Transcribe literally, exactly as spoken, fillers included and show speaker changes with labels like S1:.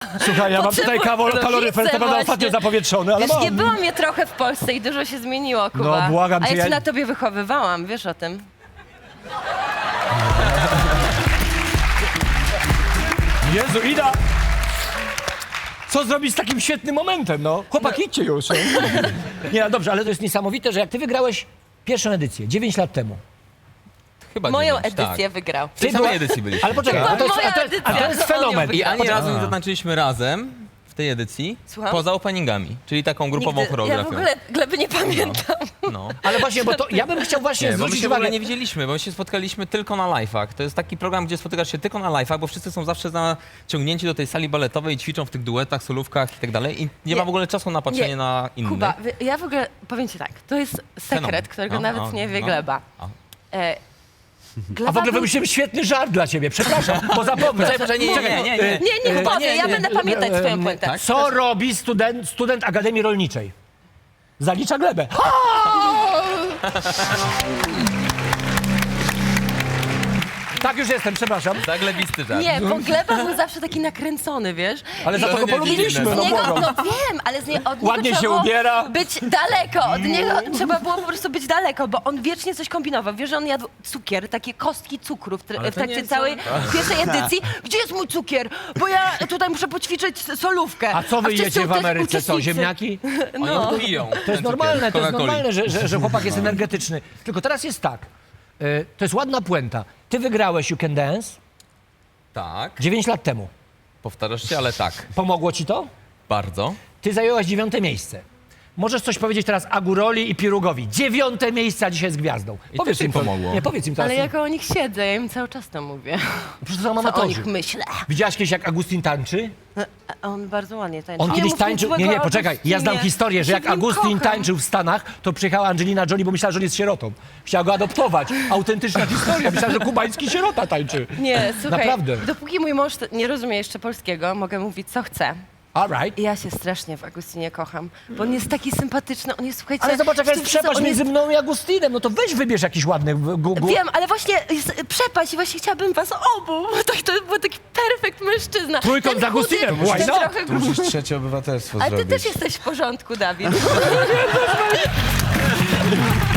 S1: Słuchaj, ja mam tutaj kawol- kaloryfer, to będę ostatnio zapowietrzony, ale
S2: Wiesz,
S1: mam.
S2: nie było mnie trochę w Polsce i dużo się zmieniło, Kuba.
S1: No, błagam
S2: A
S1: cię,
S2: ja cię
S1: ja-
S2: na tobie wychowywałam, wiesz o tym?
S1: Jezu, Ida! Co zrobić z takim świetnym momentem, no? Chłopak, idźcie już. No. Nie, no dobrze, ale to jest niesamowite, że jak ty wygrałeś pierwszą edycję, dziewięć lat temu.
S3: Chyba
S2: Moją
S3: dziewięć,
S2: edycję
S3: tak.
S2: wygrał.
S3: W tej samej edycji byliśmy.
S1: Ale poczekaj,
S2: To
S1: a to jest,
S2: moja
S1: a to jest, a to
S2: edycja,
S1: jest
S2: to on ją
S1: fenomen.
S3: I ani
S2: wygrał.
S3: razu nie zatańczyliśmy razem w tej edycji,
S2: Słucham?
S3: poza openingami, czyli taką grupową
S2: Nigdy, ja w
S3: choreografią.
S2: ogóle Gleby nie pamiętam.
S3: No.
S1: Ale właśnie, bo to ja bym chciał właśnie
S3: Nie, bo my
S1: zwrócić
S3: się w ogóle
S1: uwagę.
S3: nie widzieliśmy, bo my się spotkaliśmy tylko na live'ach. To jest taki program, gdzie spotykasz się tylko na live'ach, bo wszyscy są zawsze naciągnięci do tej sali baletowej i ćwiczą w tych duetach, solówkach i tak dalej. I nie,
S2: Nie.
S3: ma w ogóle czasu na patrzenie
S2: Nie.
S3: na innych.
S2: Kuba, wy- ja w ogóle, powiem ci tak, to jest sekret,
S3: Fenomen.
S2: którego
S3: No,
S2: nawet
S3: no,
S2: nie wie
S3: no.
S2: Gleba.
S3: A.
S2: E, Gleba
S1: A w ogóle
S2: był-
S1: wymyśliłem świetny żart dla ciebie, przepraszam, bo zapomnę.
S3: Proszę, nie, nie, nie, nie, nie.
S2: Nie, niech powie,
S1: nie,
S2: ja
S1: nie,
S2: będę
S1: nie,
S2: pamiętać
S1: nie,
S2: twoją
S1: nie,
S2: puentę.
S3: tak?
S1: Co robi student, student Akademii Rolniczej? Zalicza glebę. Tak już jestem, przepraszam.
S3: Zaglebisty żart.
S2: Nie, bo Gleba był zawsze taki nakręcony, wiesz?
S1: Ale za to
S3: To
S1: go
S3: nie
S1: polubiliśmy,
S3: dziwne.
S1: no
S2: Z niego,
S1: błagam.
S2: no wiem, ale z nie, od niego
S1: Ładnie
S2: trzeba
S1: się
S2: było
S1: ubiera.
S2: być daleko, od niego trzeba było po prostu być daleko, bo on wiecznie coś kombinował. Wiesz, że on jadł cukier, takie kostki cukru w, tr-
S3: Ale
S2: w
S3: to
S2: trakcie
S3: nie są-
S2: całej pierwszej edycji. Gdzie jest mój cukier? Bo ja tutaj muszę poćwiczyć solówkę.
S1: A co wy
S2: wszyscy
S1: jecie w
S2: uczes-
S1: Ameryce? Co,
S2: uczestnicy-
S1: ziemniaki?
S3: Oni
S2: No.
S3: to piją.
S1: To jest normalne, to jest normalne, że, że, że chłopak
S3: No.
S1: jest energetyczny. Tylko teraz jest tak, y, to jest ładna puenta. Ty wygrałeś You Can Dance
S3: Tak,
S1: dziewięć lat temu.
S3: powtarzasz się, ale tak.
S1: Pomogło ci to?
S3: Bardzo.
S1: Ty zajęłaś dziewiąte miejsce. Możesz coś powiedzieć teraz Aguroli i Pirugowi. Dziewiąte miejsce, a dzisiaj jest gwiazdą.
S3: I też im
S1: to.
S3: pomogło.
S1: Nie, powiedz im teraz.
S2: Ale jak o nich siedzę, ja im cały czas to mówię.
S1: Przecież to są
S2: Co o
S1: amatorzy.
S2: nich myślę.
S1: Widziałaś kiedyś, jak Agustin tańczy?
S2: A on bardzo ładnie tańczy.
S1: On
S2: Nie
S1: kiedyś
S2: mów nic
S1: tańczył...
S2: złego
S1: Nie, nie,
S2: o
S1: poczekaj. Ja znam
S2: Agustinie.
S1: historię, że
S2: Ja
S1: jak
S2: się w nim
S1: Agustin
S2: kocham.
S1: tańczył w Stanach, to przyjechała Angelina Jolie, bo myślała, że on jest sierotą. Chciała go adoptować. Autentyczna historia. Myślała, że kubański sierota tańczy.
S2: Nie, słuchaj,
S1: Naprawdę.
S2: dopóki mój mąż nie rozumie jeszcze polskiego, mogę mówić co chcę.
S1: All right.
S2: I ja się strasznie w Agustinie kocham, bo on jest taki sympatyczny, on jest, słuchajcie...
S1: Ale zobacz, jaka jest
S2: wiesz co,
S1: przepaść
S2: on jest-
S1: między mną i Agustinem. No to weź wybierz jakiś ładny... Gu, gu.
S2: Wiem, ale właśnie jest przepaść i właśnie chciałabym was obu, bo to, to był taki perfekt mężczyzna.
S1: Trójkąt
S2: Ten
S1: z Agustinem,
S2: chudy,
S1: why
S2: ten
S1: not?
S2: trochę
S4: Tu musisz trzecie obywatelstwo
S2: Ale ty
S4: zrobić.
S2: też jesteś w porządku, Dawid.